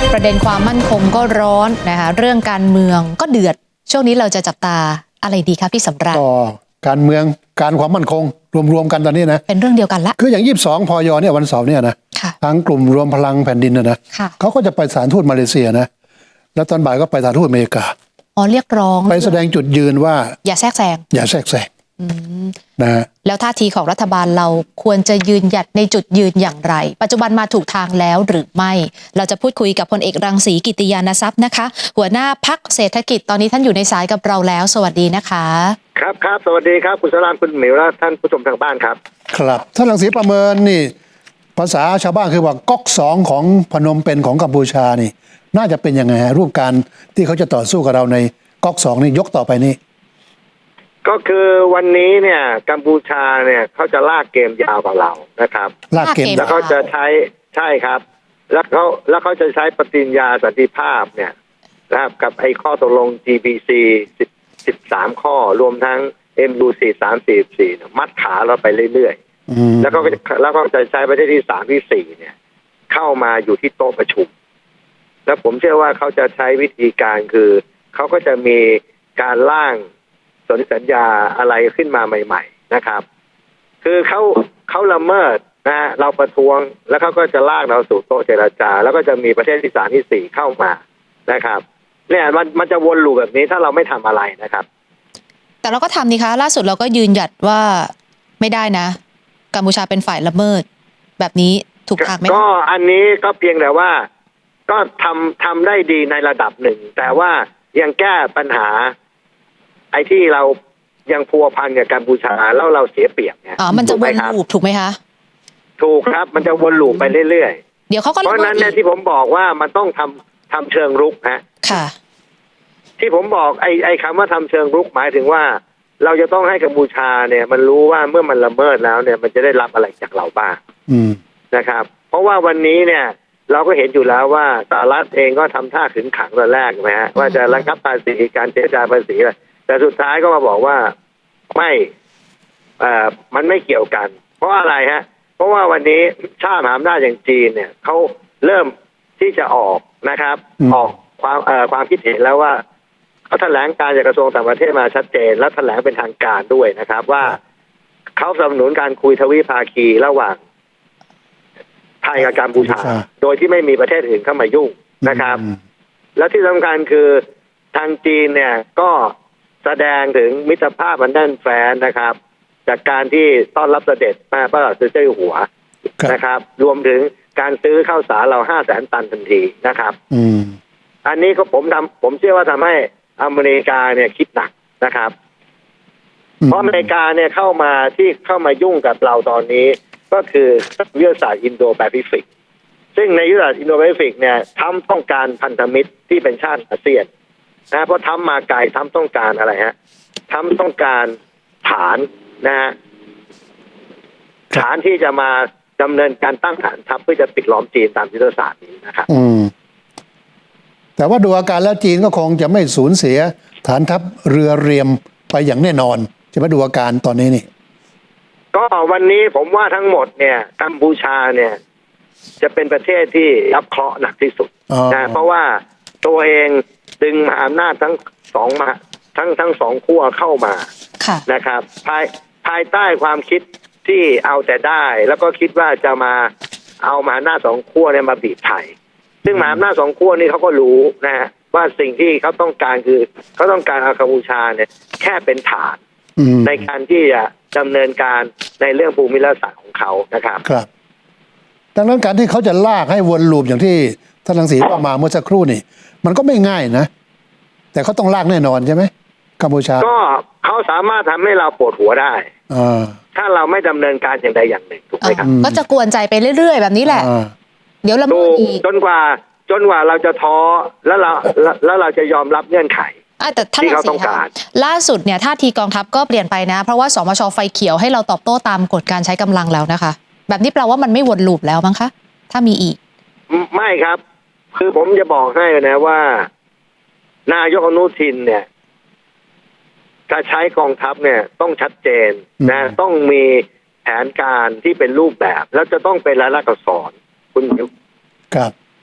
ประเด็นความมั่นคงก็ร้อนนะคะเรื่องการเมืองก็เดือดช่วงนี้เราจะจับตาอะไรดีคะพี่สำราญก็การเมืองการความมั่นคงรวมกันตอนนี้นะเป็นเรื่องเดียวกันละคืออย่าง22พยเนี่ยวันเสาร์เนี่ยนะทางกลุ่มรวมพลังแผ่นดินนะเขาก็จะไปสถานทูตมาเลเซียนะแล้วตอนบ่ายก็ไปสถานทูตอเมริกาเรียกร้องไปแสดงจุดยืนว่าอย่าแทรกแซงนะแล้วท่าทีของรัฐบาลเราควรจะยืนหยัดในจุดยืนอย่างไรปัจจุบันมาถูกทางแล้วหรือไม่เราจะพูดคุยกับพลเอกรังสีกิติยานทรัพย์นะคะหัวหน้าพรรคเศรษฐกิจตอนนี้ท่านอยู่ในสายกับเราแล้วสวัสดีนะคะครับสวัสดีครับคุณสรานคุณหมิวและท่านผู้ชมทางบ้านครับครับท่านรังสีประเมินนี่ภาษาชาวบ้านคือว่าก๊อก2ของพนมเปญของกัมพูชานี่น่าจะเป็นยังไงฮะรูปการที่เขาจะต่อสู้กับเราในก๊อก2นี่ยกต่อไปนี้ก็คือวันนี้เนี่ยกัมพูชาเนี่ยเขาจะลากเกมยาวกว่าเรานะครับลากเกมแล้วเขาจะใช่ครับแล้วเขาจะใช้ปฏิญญาสันติภาพเนี่ยนะครับกับไอ้ข้อตกลง GBC 13 ข้อรวมทั้ง MUC 344มัดขาเราไปเรื่อยๆแล้วก็จะใช้ประเทศที่3ที่4เนี่ยเข้ามาอยู่ที่โต๊ะประชุมแล้วผมเชื่อว่าเขาจะใช้วิธีการคือเขาก็จะมีการร่างสนธิสัญญาอะไรขึ้นมาใหม่ๆนะครับคือเขาละเมิดนะเราประท้วงแล้วเขาก็จะลากเราสู่โต๊ะเจรจาแล้วก็จะมีประเทศที่3ที่4เข้ามานะครับเนี่ยมันจะวนลูปแบบนี้ถ้าเราไม่ทำอะไรนะครับแต่เราก็ทำนี่คะล่าสุดเราก็ยืนหยัดว่าไม่ได้นะกัมพูชาเป็นฝ่ายละเมิดแบบนี้ถูกทางไหมก็อันนี้ก็เพียงแต่ว่าก็ทำได้ดีในระดับหนึ่งแต่ว่ายังแก้ปัญหาไอ้ที่เรายังพัวพันกับกัมพูชาแล้วเราเสียเปรียบเนี่ยมันจะวนลูปถูกไหมคะถูกครับมันจะวนลูปไปเรื่อยๆเดี๋ยวเขาก็เพราะนั้นเนี่ยที่ผมบอกว่ามันต้องทำเชิงรุกฮะค่ะที่ผมบอกไอ้คำว่าทำเชิงรุกหมายถึงว่าเราจะต้องให้กัมพูชาเนี่ยมันรู้ว่าเมื่อมันละเมิดแล้วเนี่ยมันจะได้รับอะไรจากเราบ้างนะครับเพราะว่าวันนี้เนี่ยเราก็เห็นอยู่แล้วว่าสหรัฐเองก็ทำท่าขึงขังตอนแรกนะฮะว่าจะระงับภาษีการเจรจาภาษีแต่สุดท้ายก็มาบอกว่าไม่มันไม่เกี่ยวกันเพราะอะไรฮะเพราะว่าวันนี้ชาติมหาอำนาจอย่างจีนเนี่ยเขาเริ่มที่จะออกนะครับออกความคิดเห็นแล้วว่าเขาแถลงการจากกระทรวงต่างประเทศมาชัดเจนและแถลงเป็นทางการด้วยนะครับว่าเขาสนับสนุนการคุยทวิภาคีระหว่างไทยกับกัมพูชาโดยที่ไม่มีประเทศอื่นเข้ามายุ่งนะครับและที่สำคัญคือทางจีนเนี่ยก็แสดงถึงมิตรภาพอันแน่นแฟ้นนะครับจากการที่ต้อนรับเสด็จพระบาทสมเด็จเจ้าอยู่หัวนะครับรวมถึงการซื้อข้าวสารเรา500,000 ตันทันทีนะครับอันนี้ก็ผมเชื่อว่าทำให้อเมริกาเนี่ยคิดหนักนะครับเพราะอเมริกาเนี่ยเข้ามายุ่งกับเราตอนนี้ก็คือยุทธศาสตร์อินโดแปซิฟิกซึ่งในยุทธศาสตร์อินโดแปซิฟิกเนี่ยทำต้องการพันธมิตรที่เป็นชาติอาเซียนนะเพราะทำมาไกลทำต้องการอะไรฮะทำต้องการฐานนะฮะฐานที่จะมาดำเนินการตั้งฐานทัพเพื่อจะปิดล้อมจีนตามยุทธศาสตร์นี้นะครับแต่ว่าดูอาการแล้วจีนก็คงจะไม่สูญเสียฐานทัพเรือเรียมไปอย่างแน่นอนจะมาดูอาการตอนนี้นี่ก็วันนี้ผมว่าทั้งหมดเนี่ยกัมพูชาเนี่ยจะเป็นประเทศที่รับเคราะห์หนักที่สุดนะเพราะว่าตัวเองดึงมหาอำนาจทั้งสองขั้วเข้ามานะครับภายใต้ความคิดที่เอาแต่ได้แล้วก็คิดว่าจะมาเอามหาอำนาจสองขั้วเนี่ยมาบีบไทยซึ่งมหาอำนาจสองขั้วนี่เขาก็รู้นะว่าสิ่งที่เขาต้องการคือเขาต้องการเอากัมพูชาเนี่ยแค่เป็นฐานในการที่จะดำเนินการในเรื่องภูมิรัฐศาสตร์ของเขานะครับครับดังนั้นการที่เขาจะลากให้วนลูปอย่างที่ท่านรังสีว่ามาเมื่อสักครู่นี่มันก็ไม่ง่ายนะแต่เขาต้องลากแน่นอนใช่ไหมกัมพูชาก็เขาสามารถทำให้เราปวดหัวได้ถ้าเราไม่ดำเนินการอย่างใดอย่างหนึ่งถูกไหมครับก็จะกวนใจไปเรื่อยๆแบบนี้แหละเดี๋ยวละเมิดอีกจนกว่าเราจะท้อแล้วเราจะยอมรับเงื่อนไขแต่ท่านรังสีค่ะล่าสุดเนี่ยท่าทีกองทัพก็เปลี่ยนไปนะเพราะว่าสมช.ไฟเขียวให้เราตอบโต้ตามกฎการใช้กำลังแล้วนะคะแบบนี้แปลว่ามันไม่วนลูปแล้วมั้งคะถ้ามีอีกไม่ครับคือผมจะบอกให้นะว่านายกอนุทินเนี่ยถ้าใช้กองทัพเนี่ยต้องชัดเจนนะต้องมีแผนการที่เป็นรูปแบบแล้วจะต้องเป็นรายลักษณ์อักษรคุณครับ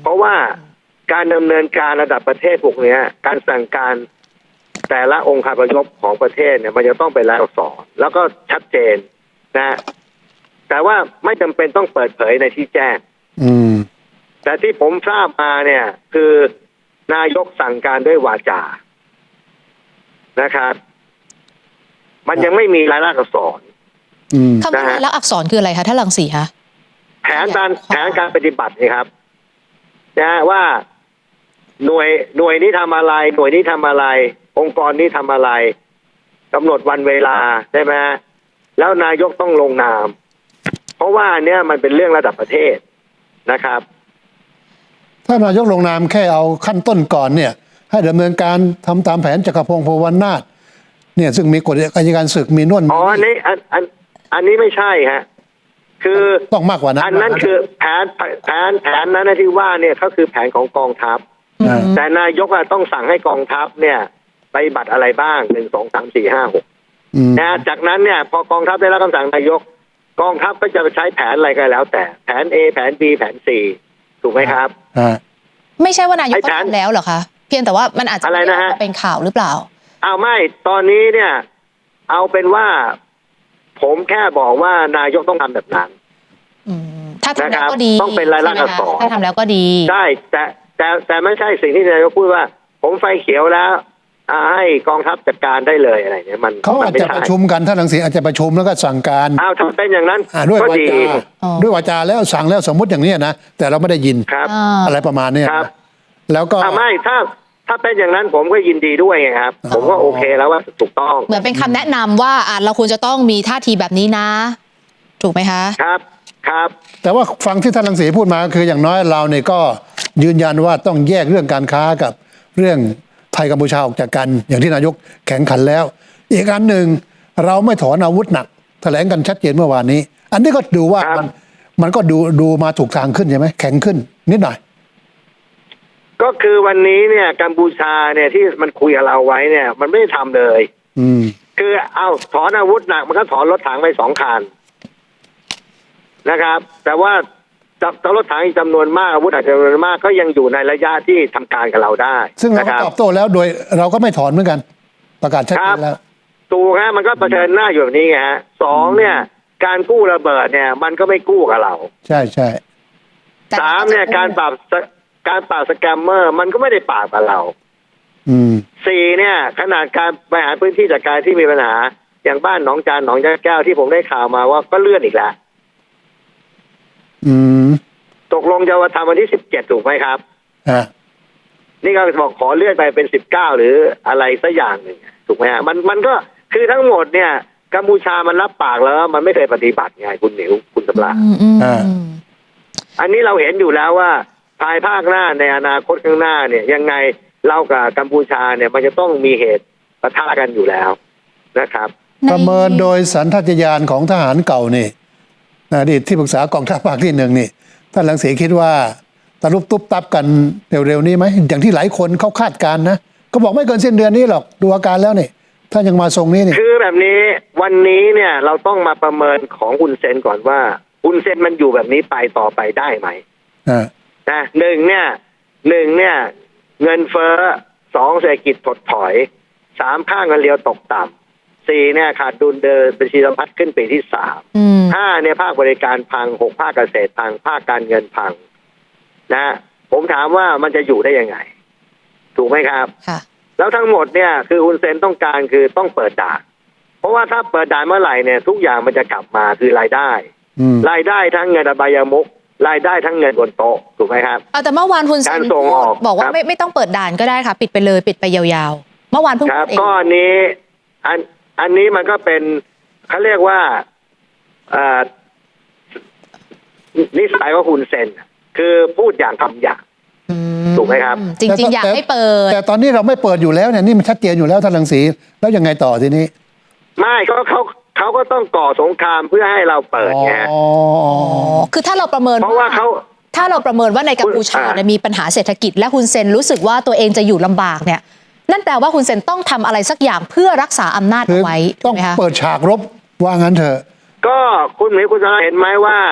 เพราะว่าการดำเนินการระดับประเทศพวกเนี้ยการสั่งการแต่ละองค์คาพยพของประเทศเนี่ยมันจะต้องเป็นลายอักษรแล้วก็ชัดเจนนะแต่ว่าไม่จำเป็นต้องเปิดเผยในที่แจ้ง แต่ที่ผมทราบมาเนี่ยคือนายกสั่งการด้วยวาจานะครับมันยังไม่มีลายลักษณ์อักษรคำว่าลายลักษณ์อักษรคืออะไรคะท่านรังสีคะแผนการปฏิบัตินี่ครับนะว่าหน่วยนี้ทำอะไรหน่วยนี้ทำอะไรองค์กรนี้ทำอะไรกำหนดวันเวลาใช่ไหมแล้วนายกต้องลงนามเพราะว่าเนี่ยมันเป็นเรื่องระดับประเทศนะครับถ้านายกลงนามแค่เอาขั้นต้นก่อนเนี่ยให้ดำเนินการทำตามแผนจักรพงศ์ ภูวนาถเนี่ยซึ่งมีกฎอัยการศึกมีน่วนอันนี้ไม่ใช่ฮะคือต้องมากกว่านั้นอันนั้นคือแผนนั้นที่ว่าเนี่ยเขาคือแผนของกองทัพแต่นายกต้องสั่งให้กองทัพเนี่ยไปฏิบัติอะไรบ้าง1 2 3 4 5 6นะจากนั้นเนี่ยพอกองทัพได้รับคำสั่งนายกกองทัพก็จะไปใช้แผนอะไรก็แล้วแต่แผน A แผน B แผน C ถูกไหมครับไม่ใช่ว่านายกทำแล้วเหรอคะเพียงแต่ว่ามันอาจจะเป็นข่าวหรือเปล่าไม่ตอนนี้เนี่ยเอาเป็นว่าผมแค่บอกว่านายกต้องทำแบบนั้นถ้าทำแล้วก็ดีต้องเป็นรายลักษณ์อักษรถ้าทำแล้วก็ดีใช่แต่ไม่ใช่สิ่งที่นายกพูดว่าผมไฟเขียวแล้วให้กองทัพจัดการได้เลยอะไรเนี่ยมันเขาอาจจะประชุมกันท่านรังสีอาจจะประชุมแล้วก็สั่งการถ้าเป็นอย่างนั้นด้วยวาจาแล้วสั่งแล้วสมมุติอย่างนี้นะแต่เราไม่ได้ยินอะไรประมาณนี้แล้วก็ไม่ถ้าเป็นอย่างนั้นผมก็ยินดีด้วยไงครับผมก็โอเคแล้วว่าถูกต้องเหมือนเป็นคำแนะนำว่าเราควรจะต้องมีท่าทีแบบนี้นะถูกไหมคะครับแต่ว่าฟังที่ท่านรังสีพูดมาคืออย่างน้อยเราเนี่ยก็ยืนยันว่าต้องแยกเรื่องการค้ากับเรื่องไทยกัมพูชาออกจากกันอย่างที่นายกแข่งขันแล้วอีกอันหนึ่งเราไม่ถอนอาวุธหนักแถลงกันชัดเจนเมื่อวานนี้อันนี้ก็ดูว่ามันก็ดูมาถูกทางขึ้นใช่ไหมแข็งขึ้นนิดหน่อยก็คือวันนี้เนี่ยกัมพูชาเนี่ยที่มันคุยกับเราไว้เนี่ยมันไม่ได้ทำเลยคือเอาถอนอาวุธหนักมันก็ถอนรถถังไป2 คันนะครับแต่ว่าจับรถถังอีกจำนวนมากอาวุธอาจจะจำนวนมากก็ยังอยู่ในระยะที่ทำการกับเราได้ซึ่งเราตอบโต้แล้วโดยเราก็ไม่ถอนเหมือนกันประกาศชัดเจนแล้วถูกฮะมันก็เผชิญหน้าอยู่แบบนี้ไงฮะ2เนี่ยการกู้ระเบิดเนี่ยมันก็ไม่กู้กับเราใช่ 3เนี่ยการปราบสแกมเมอร์มันก็ไม่ได้ปราบกับเรา4เนี่ยขนาดการบริหารพื้นที่จัดการที่มีปัญหาอย่างบ้านหนองจานหนองยาแก้วที่ผมได้ข่าวมาว่าก็เลื่อนอีกแล้วตกลงจะมาทำวันที่17ถูกไหมครับนี่ก็บอกขอเลื่อนไปเป็น19หรืออะไรสักอย่างหนึ่งถูกไหมฮะมันก็คือทั้งหมดเนี่ยกัมพูชามันรับปากแล้วมันไม่เคยปฏิบัติไงคุณหนิวคุณสำราญอันนี้เราเห็นอยู่แล้วว่าภายภาคหน้าในอนาคตข้างหน้าเนี่ยยังไงเรากับกัมพูชาเนี่ยมันจะต้องมีเหตุปะทะกันอยู่แล้วนะครับประเมินโดยสัญชาตญาณของทหารเก่านี่อดีตที่ปรึกษากองทัพภาคที่1นี่ท่านรังสีคิดว่าตะลุบตุ๊บตับกันเร็วๆนี้ไหมอย่างที่หลายคนเขาคาดการณ์นะก็บอกไม่เกินสิ้นเดือนนี้หรอกดูอาการแล้วนี่ถ้ายังมาทรงนี้นี่คือแบบนี้วันนี้เนี่ยเราต้องมาประเมินของฮุนเซนก่อนว่าฮุนเซนมันอยู่แบบนี้ไปต่อไปได้ไหมนะหนึ่งเนี่ยเงินเฟ้อ2เศรษฐกิจถดถอย3ค่าเงินเรียวตกต่ำ4เนี่ยขาดดุลเดินบัญชีสะพัดขึ้นปีที่3 5เนี่ยภาคบริการพัง6ภาคเกษตรพังภาคการเงินพังนะผมถามว่ามันจะอยู่ได้ยังไงถูกไหมครับแล้วทั้งหมดเนี่ยคือฮุนเซนต้องการคือต้องเปิดด่านเพราะว่าถ้าเปิดด่านเมื่อไหร่เนี่ยทุกอย่างมันจะกลับมาคือรายได้ทั้งเงินอบายมุขรายได้ทั้งเงินบนโต๊ะถูกไหมครับแต่เมื่อวานฮุนเซนบอกว่าไม่ต้องเปิดด่านก็ได้ค่ะปิดไปเลยปิดไปยาวๆเมื่อวานเพิ่งพูดเองก็อันนี้มันก็เป็นเขาเรียกว่านิสัยของฮุนเซนคือพูดอย่างทำอย่างถูกไหมครับจริงๆอยากให้เปิดแต่ตอนนี้เราไม่เปิดอยู่แล้วเนี่ยนี่มันชัดเจนอยู่แล้วท่านรังสีแล้วยังไงต่อทีนี้ไม่เขาก็ต้องก่อสงครามเพื่อให้เราเปิดไงคือถ้าเราประเมินเพราะว่าถ้าเราประเมินว่าในกัมพูชาเนี่ยมีปัญหาเศรษฐกิจและฮุนเซนรู้สึกว่าตัวเองจะอยู่ลำบากเนี่ยนั่นแปลว่าฮุนเซนต้องทำอะไรสักอย่างเพื่อรักษาอำนาจเอาไว้ต้องเปิดฉากรบว่างั้นเถอะก็คุณหมีคุณสาเห็นไหมว่า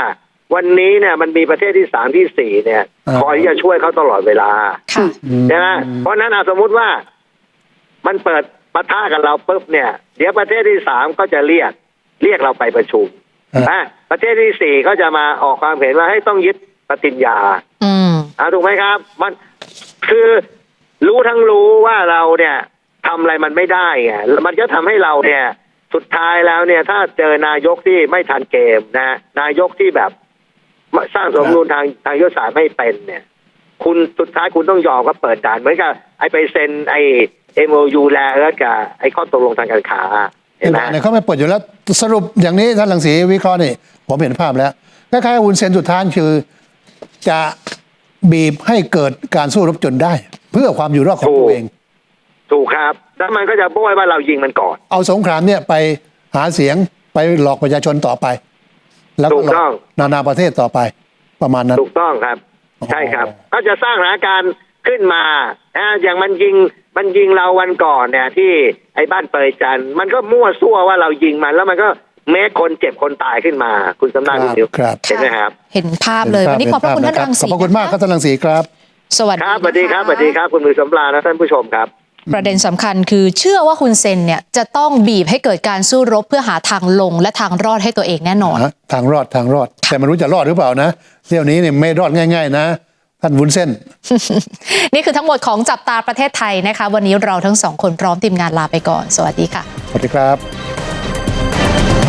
วันนี้เนี่ยมันมีประเทศที่3ที่4เนี่ยคอยที่จะช่วยเขาตลอดเวลาค่ะใช่ไหมเพราะฉะนั้นสมมุติว่ามันเปิดปะทะกับเราปุ๊บเนี่ยเดี๋ยวประเทศที่3ก็จะเรียกเราไปประชุมประเทศที่4ก็จะมาออกความเห็นว่าให้ต้องยึดปฏิญญาถูกไหมครับมันคือรู้ทั้งรู้ว่าเราเนี่ยทำอะไรมันไม่ได้ไงมันก็ทำให้เราเนี่ยสุดท้ายแล้วเนี่ยถ้าเจอนายกที่ไม่ทันเกมนะนายกที่แบบสร้างสมดุลทางยุทธศาสตร์ไม่เป็นเนี่ยคุณสุดท้ายคุณต้องยอมก็เปิดด่านเหมือนกับไอ้ไปเซ็นไอ้ MOU แล้วกับไอ้ข้อตกลงทางการค้าเห็นไหมเนี่ยเขาไม่เปิดอยู่แล้วสรุปอย่างนี้ท่านรังสีวิเคราะห์นี่ผมเห็นภาพแล้วคล้ายๆวุ้นเส้นสุดท้ายคือจะบีบให้เกิดการสู้รบจนได้เพื่อความอยู่รอดของตัวเองถูกครับแล้วมันก็จะโบ้ยว่าเรายิงมันก่อนเอาสงครามเนี่ยไปหาเสียงไปหลอกประชาชนต่อไปแล้วก็หลอกนานาประเทศต่อไปประมาณนั้นถูกต้องครับใช่ครับก็จะสร้างสถานการณ์ขึ้นมาอย่างมันยิงเราวันก่อนเนี่ยที่ไอ้บ้านเปยจันมันก็มั่วซั่วว่าเรายิงมันแล้วมันก็แม้คนเจ็บคนตายขึ้นมาคุณสำนักคุณดิวเห็นไหมครับเห็นภาพเลยวันนี้ขอบพระคุณท่านรังสีขอบพระคุณมากครับท่านรังสีครับสวัสดีครับสวัสดีครับสวัสดีครับคุณมือสำราญและท่านผู้ชมครับประเด็นสำคัญคือเชื่อว่าคุณเซนเนี่ยจะต้องบีบให้เกิดการสู้รบเพื่อหาทางลงและทางรอดให้ตัวเองแน่นอนทางรอดแต่ไม่รู้จะรอดหรือเปล่านะเที่ยวนี้เนี่ยไม่รอดง่ายๆนะท่านวุ้นเส้นนี่คือทั้งหมดของจับตาประเทศไทยนะคะวันนี้เราทั้งสองคนพร้อมทีมงานลาไปก่อนสวัสดีค่ะสวัสดีครับ